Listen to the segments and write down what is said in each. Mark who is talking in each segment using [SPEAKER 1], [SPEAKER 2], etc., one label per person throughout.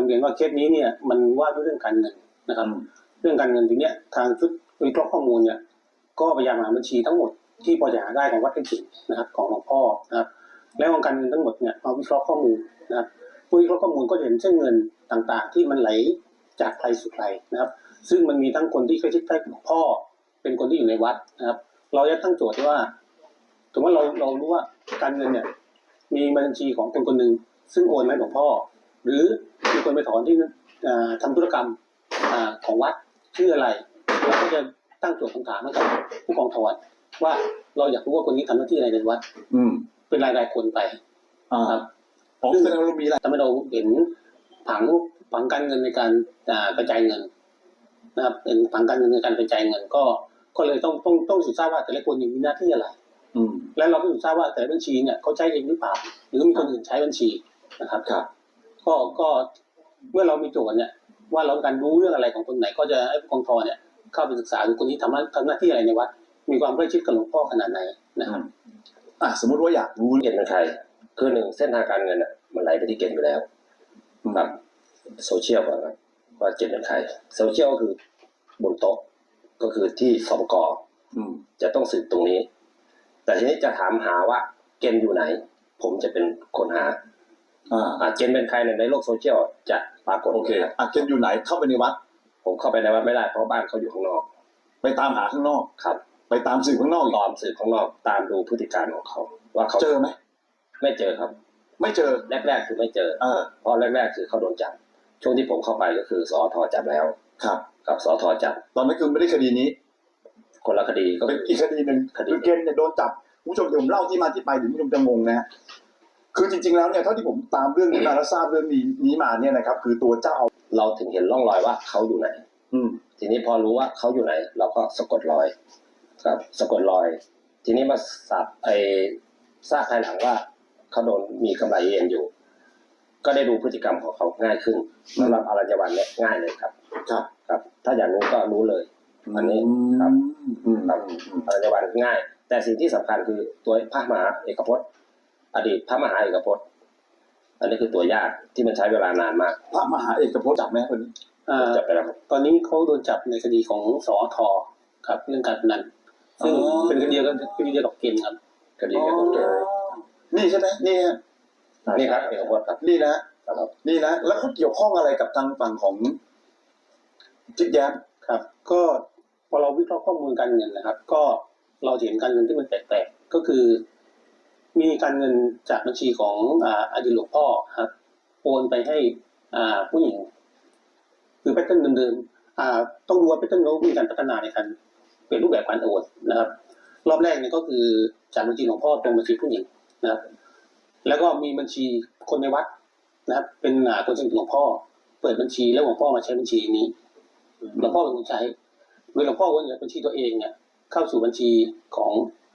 [SPEAKER 1] เรียนว่าเคสนี้เนี่ยมันว่าด้วยเรื่องการเงินนะครับเรื่องการเงินทีเนี้ยทางชุดวิเคราะห์ข้อมูลเนี่ยก็พยายามหาบัญชีทั้งหมดที่พอจะหาได้ของวัดไร่ขิงนะครับของหลวงพ่อนะครับแล้วของการเงินทั้งหมดเนี่ยมาวิเคราะห์ข้อมูลนะครับวิเคราะห์ข้อมูลก็จะเห็นเส้นเงินต่างๆที่มันไหลจากใครสู่ใครนะครับซึ่งมันมีทั้งคนที่ใกล้ชิดใกล้หลวงพ่อเป็นคนที่อยู่ในวัดนะครับเราจะตั้งโจทย์ว่าสมมติว่าเรารู้ว่าการเงินเนี่ยมีบัญชีของคนคนหนึ่งซึ่งโอนให้หลวงพ่อหรือมีคนไปถอนที่ทำธุรกรรมของวัดชื่ออะไรเราก็จะตั้งโจทย์คำถามให้กับผู้กองถอนว่าเราอยากรู้ว่าคนนี้ทำหน้าที่อะไรในวัดเป็นรายคนไปครับซึ่งเรามีอะไรทำให้เราเห็นผังการเงินในการกระจายเงินนะครับเป็นผังการเงินในการกระจายเงินก็เลยต้องศึกษาว่าแต่ละคนมีหน้าที่อะไรและเราก็ศึกษาว่าแต่บัญชีเนี่ยเขาใช้เองหรือเปล่าหรือมีคนอื่นใช้บัญชีนะครับก็เมื่อเรามีโจทย์เนี่ยว่าเราต้องการรู้เรื่องอะไรของคนไหนก็จะให้ผู้กองทเนี่ยเข้าไปศึกษาดูคนที่ทำหน้าที่อะไรในวัดมีความใกล้ชิดกับหลวงพ่อขนาดไหนนะครับ
[SPEAKER 2] สมมติว่าอยากรู้เก่งเป็นใครคือหนึ่งเส้นทางการเงินมันไหลไปที่เก่งอยู่แล้วครับโซเชียลครับว่าเก่งเป็นใครโซเชียลก็คือบนโต๊ะก็คือที่สองกจะต้องสืบตรงนี้แต่ทีนี้จะถามหาว่าเกณฑ์อยู่ไหนผมจะเป็นคนหาเกณฑ์เป็นใครในโลกโซเชียลจะปรากฏโอเคเกณฑ์อยู่ไหนเข้าไปในวัดผมเข้าไปในวัดไม่ได้เพราะบ้านเขาอยู่ข้างนอกไปตามหาข้างนอกครับไปตามสืบข้างนอกตามสืบข้างนอกตามดูพฤติการของเขาว่าเขาเจอไหมไม่เจอครับไม่เจอแรกคือไม่เจอเพราะแรกคือเขาโดนจับช่วงที่ผมเข้าไปก็คือสอทจับแล้วครับกับสอทจับตอนนั้นคือไม่ได้คดีนี้คนละคดีก็เป็นอีกคดีหนึ่งคือเกณฑ์เนี่ยโดนจับผู้ชมผมเล่าที่มาที่ไปถึงผู้ชมจะงงนะฮะคือจริงๆแล้วเนี่ยเท่าที่ผมตามเรื่องนี้มาและทราบเรื่องนี้มาเนี่ยนะครับคือตัวเจ้าเราถึงเห็นร่องรอยว่าเขาอยู่ไหนทีนี้พอรู้ว่าเขาอยู่ไหนเราก็สะกดรอยครับสะกดรอยทีนี้มาทราบภายหลังว่าเขาโดนมีกำไรเอ็นอยู่ก็ได้ดูพฤติกรรมของเขาง่ายขึ้นสำหรับอรัญญวัณเนี่ยง่ายเลยครับครับถ้าอยากรู้ก็รู้เลยอันนี้ครับอรัญญวัณง่ายแต่สิ่งที่สำคัญคือตัวพระมหาเอกพจน์อดีตพระมหาเอกพจน์อันนี้คือตัวยากที่มันใช้เวลานานมากพระมหาเอกพจน์จับไหมคนนี้จับไปแล้วตอนนี้เขาโดนจับในคดีของสอทครับเรื่องการพนันซึ่งเป็นคดีเดียวกับเกณฑ์ครับคดีเดียวกับเกณฑ์นี่ใช่ไหมนี่ครับเอกพจน์ครับนี่นะแล้วเขาเกี่ยวข้องอะไรกับทางฝั่งของจิ๊กแย้มครับก็พอเราวิเคราะห์ข้อมูลการเงินนะครับก็เราเห็นการเงินที่มันแปลกๆก็คือมีการเงินจากบัญชีของอดีตหลวงพ่อครับโอนไปให้ผู้หญิงคือแพทเทิร์นเดิมๆต้องดูว่าแพทเทิร์นเขามีการพัฒนาในการเปลี่ยนรูปแบบการโอนนะครับรอบแรกเนี่ยก็คือจากบัญชีหลวงพ่อตรงบัญชีผู้หญิงนะครับแล้วก็มีบัญชีคนในวัดนะครับเป็นคนสนิทหลวงพ่อเปิดบัญชีแล้วหลวงพ่อมาใช้บัญชีนี้หลวงพ่อเป็นคนใช้โดยหลวงพ่อโอนจากบัญชีตัวเองเนี่ยเข้าสู่บัญชีของ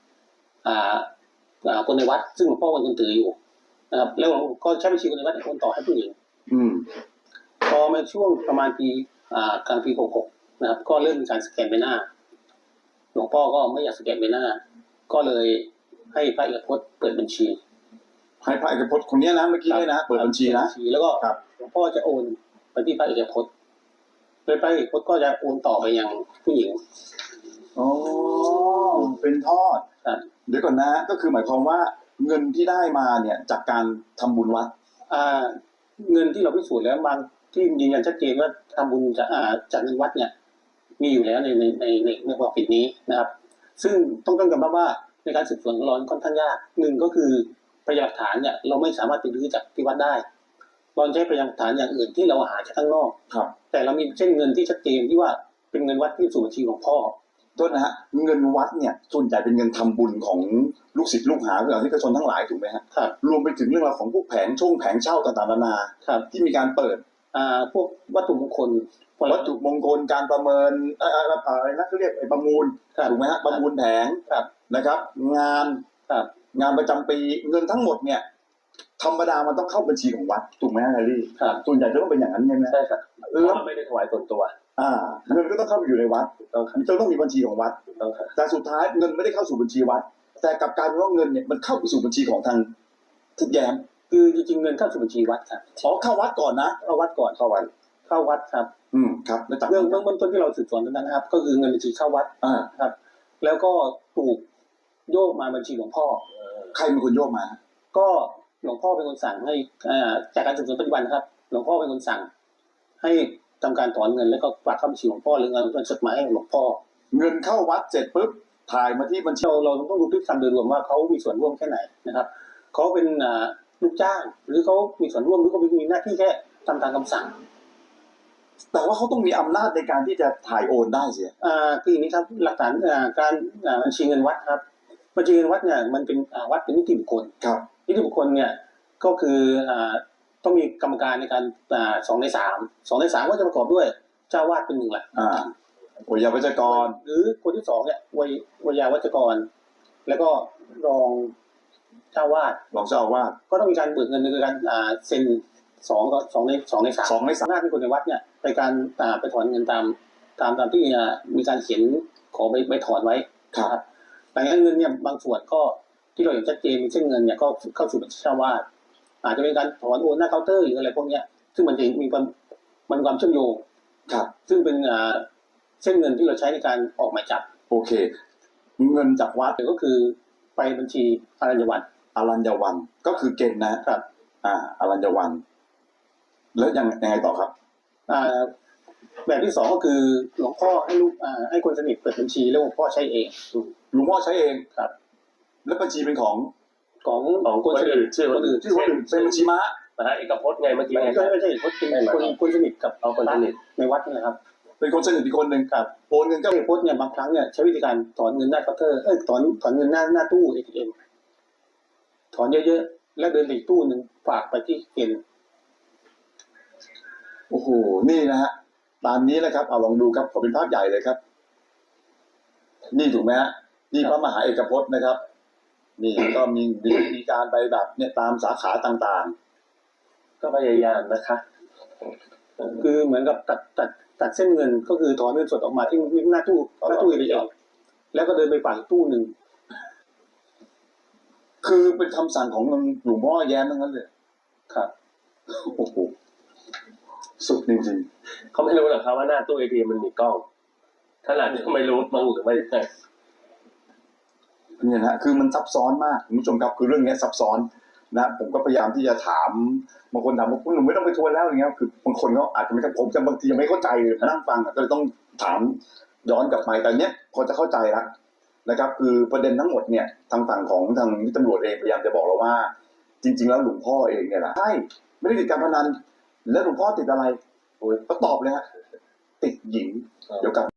[SPEAKER 2] คนในวัดซึ่งหลวงพ่อเป็นคนถืออยู่นะครับแล้วก็ใช้บัญชีคนในวัดโอนต่อให้ผู้หญิงพอมาช่วงประมาณปีกลางปี66นะครับก็เริ่มมีการสแกนใบหน้าหลวงพ่อก็ไม่อยากสแกนใบหน้าก็เลยให้พระเอกพจน์เปิดบัญชีให้พระเอกพจน์คนนี้นะเมื่อกี้เลยนะเปิดบัญชีนะแล้วก็หลวงพ่อจะโอนไปที่พระเอกพจน์โดยพระเอกพจน์ก็จะโอนต่อไปยังผู้หญิงเป็นทอดเดี๋ยวก่อนนะก็คือหมายความว่าเงินที่ได้มาเนี่ยจากการทำบุญวัดเงินที่เราพิสูจน์แล้วบางที่ยืนยันชัดเจนว่าทำบุญจากเงินวัดเนี่ยมีอยู่แล้วในความผิดนี้นะครับซึ่งต้องยอมรับว่าในการสืบสวนของเราค่อนข้างยากหนึ่งก็คือพยานหลักฐานเนี่ยเราไม่สามารถไปรื้อจากที่วัดได้เราใช้พยานหลักฐานอย่างอื่นที่เราหาจากข้างนอกแต่เรามีเช่นเงินที่ชัดเจนที่ว่าเป็นเงินวัดที่สู่บัญชีของพ่อโทษนะฮะเงินวัดเนี่ยส่วนใหญ่เป็นเงินทำบุญของลูกศิษย์ลูกหาหรือที่กระชนทั้งหลายถูกไหมฮะรวมไปถึงเรื่องราวของพวกแผงเช่าต่างๆนานาที่มีการเปิดพวกวัตถุมงคลการประเมินอะไรนะเขาเรียกประมูลถูกไหมฮะประมูลแผงนะครับงานประจำปีเงินทั้งหมดเนี่ยธรรมดามันต้องเข้าบัญชีของวัดถูกไหมฮะแฮร์รี่ส่วนใหญ่จะต้องเป็นอย่างนั้นใช่ไหมใช่ครับแล้วไม่ได้ถวายส่วนตัวเงินก็ต้องเข้าไปอยู่ในวัดต้องมีบัญชีของวัดแต่สุดท้ายเงินไม่ได้เข้าสู่บัญชีวัดแต่กลับกลายเป็นว่าเงินเนี่ยมันเข้าไปสู่บัญชีของทางทิศแย้ม
[SPEAKER 1] คือจริงๆเงินเข้าสู่บัญชีวัดครับ
[SPEAKER 3] อ๋อเข้าวัดก่อนนะ
[SPEAKER 1] เข้าวัดก่อน
[SPEAKER 2] เข้าวัน
[SPEAKER 1] เข้าวัดครับ
[SPEAKER 3] ครับแล้วจาก
[SPEAKER 1] เรื่อง
[SPEAKER 3] นั้น
[SPEAKER 1] เบื้องต้นที่เราสืบสวนตรงนั้นนะครับ ก็คือเงินบัญชีเข้าวัด
[SPEAKER 3] อ่า
[SPEAKER 1] ครับ แล้วก็ถูกโยกมาบัญชีหลวงพ่อ
[SPEAKER 3] ใครเป็นคนโยกมา
[SPEAKER 1] ก็หลวงพ่อเป็นคนสั่งให้จากการสืบสวนปัจจุบันนะครับ หลวงพ่อเป็นคนสั่ง ให้ทำการถอนเงินแล้วก็ฝากเข้าบัญชีหลวงพ่อหรือเงินเป็นจดหมายให้หลวงพ่อ
[SPEAKER 3] เงินเข้าวัดเสร็จปุ๊บถ่ายมาที่บัญชี
[SPEAKER 1] เราต้องดูพฤติกรรมโดยรวมว่าเขามีส่วนร่วมแค่ไหนนะครับเขาเป็นลูกจ้าง หรือเขามีส่วนร่วมหรือเขามีหน้าที่แค่ทำตามคำสั่ง
[SPEAKER 3] แต่ว่าเขาต้องมีอำนาจในการที่จะถ่ายโอนได้เสีย
[SPEAKER 1] คืออย่างนี้ครับหลักฐานการบัญชีเงินวัดครับบัญชีเงินวัดเนี่ยมันเป็นวัดเป็นนิติบุคคล
[SPEAKER 3] ครับ
[SPEAKER 1] นิติบุคคลเนี่ยก็คือต้องมีกรรมการในการ2/3ก็จะประกอบด้วยเจ้าวาดเป็นหนึ่งแหละ
[SPEAKER 3] วิยาวัจกร
[SPEAKER 1] หรือคนที่สองเนี่ยวยาวัจกร แล้วก็รองเจ้าวาด
[SPEAKER 3] รองเจ้าอาวาส
[SPEAKER 1] ก็ต้องมีการเบิกเงินในการเซ็น2ใน 3
[SPEAKER 3] 2 ใน 3
[SPEAKER 1] หน้าที่คนในวัดเนี่ยไปการไปถอนเงินตามที่มีการเขียนขอไปถอนไว้
[SPEAKER 3] ครับ
[SPEAKER 1] แต่เงินเนี่ยบางส่วนก็ที่เราเห็นชัดเจนมีเส้นเงินเนี่ยก็เข้าสู่บัญชีเจ้าวาดอาจจะเป็นการถอนโอนหน้าเคาน์เตอร์หรืออะไรพวกเนี้ยซึ่งมันจะมีความเชื่อมโยง
[SPEAKER 3] ครับ
[SPEAKER 1] ซึ่งเป็นเส้นเงินที่เราใช้ในการออกหมายจับ
[SPEAKER 3] โอเค เงินจากวัด
[SPEAKER 1] ก็คือไปบัญชีอรัญญวัฒน์
[SPEAKER 3] อรัญญวันก็คือเกณฑ์นะครับ อรัญญวันแล้วยังไงต่อครับ
[SPEAKER 1] แบบที่สองก็คือหลวงพ่อให้คนสนิทเปิดบัญชีแล้วหลวงพ่อใช้เอง
[SPEAKER 3] หลวงพ่อใช้เอง
[SPEAKER 1] ครับ
[SPEAKER 3] แล้วบัญชีเป็นของ
[SPEAKER 1] ของคนสนิท
[SPEAKER 2] ชื่อคนอื่น
[SPEAKER 3] ที่คนอื่นเป็นบัญชีม้า
[SPEAKER 2] นะฮะเอกพจน์ไงเมื่อกี้
[SPEAKER 1] ไม่
[SPEAKER 2] ไง
[SPEAKER 1] ใช่คนสนิทกับ
[SPEAKER 2] เอาคนสนิท
[SPEAKER 1] ในวัดนี่นะครับ
[SPEAKER 3] เป็นคนสนิทอีกคนหนึ่ง
[SPEAKER 1] ครับ
[SPEAKER 3] โอนเงินก็
[SPEAKER 1] เจ้าเอกพจน์เนี่ยบางครั้งเนี่ยใช้วิธีการถอนเงินหน้าเคาน์เตอร์ถอนเงินหน้าตู้ ATM ถอนเยอะๆแล้วเดินไปอีกตู้หนึ่งฝากไปที่เกณฑ์
[SPEAKER 3] โอ้โหนี่นะฮะตามนี้นะครับเอาลองดูครับขอเป็นภาพใหญ่เลยครับ นี่ถูกไหมฮะนี่พระมหาเอกพจน์นะครับ นี่ก็มีการไปแบบเนี่ยตามสาขาต่าง
[SPEAKER 2] ก็พยายามนะคะ
[SPEAKER 1] คือเหมือนกับตัดเส้นเงินก็คือถอนเงินสดออกมาที่หน้าตู้ATM แล้วก็เดินไปฝากอีกตู้หนึ่ง
[SPEAKER 3] ๆคือเป็นคำสั่งของหลวงพ่อแย้มทั้งนั้นเลย
[SPEAKER 1] ครับ
[SPEAKER 3] โอ้โหสุดจริง
[SPEAKER 2] เขาไม่รู้หรอกครับว่าหน้าตู้ ATM มันมีกล้องขนาดนี้ก็ไม่รู้มั้งหรือไม่
[SPEAKER 3] ๆเนี่ยนะฮะคือมันซับซ้อนมากคุณผู้ชมครับคือเรื่องนี้ซับซ้อนนะผมก็พยายามที่จะถามบางคนถามว่าคุณหนุ่มไม่ต้องไปทวนแล้วอย่างเงี้ยคือบางคนเขาอาจจะไม่ผมจะบางทียังไม่เข้าใจเลยนั่งฟังก็เลยต้องถามย้อนกลับไปแต่เนี้ยพอจะเข้าใจแล้วนะครับ คือประเด็นทั้งหมดเนี่ยทางฝั่งของทางตำรวจเองพยายามจะบอกเราว่า จริง ๆ แล้วหลวงพ่อเองเนี่ยแหละใช่ไม่ได้ติดการพนันแล้วหลวงพ่อติดอะไรโอ้ยก็ตอบเลยฮะติดหญิงเดี๋ยวกลับ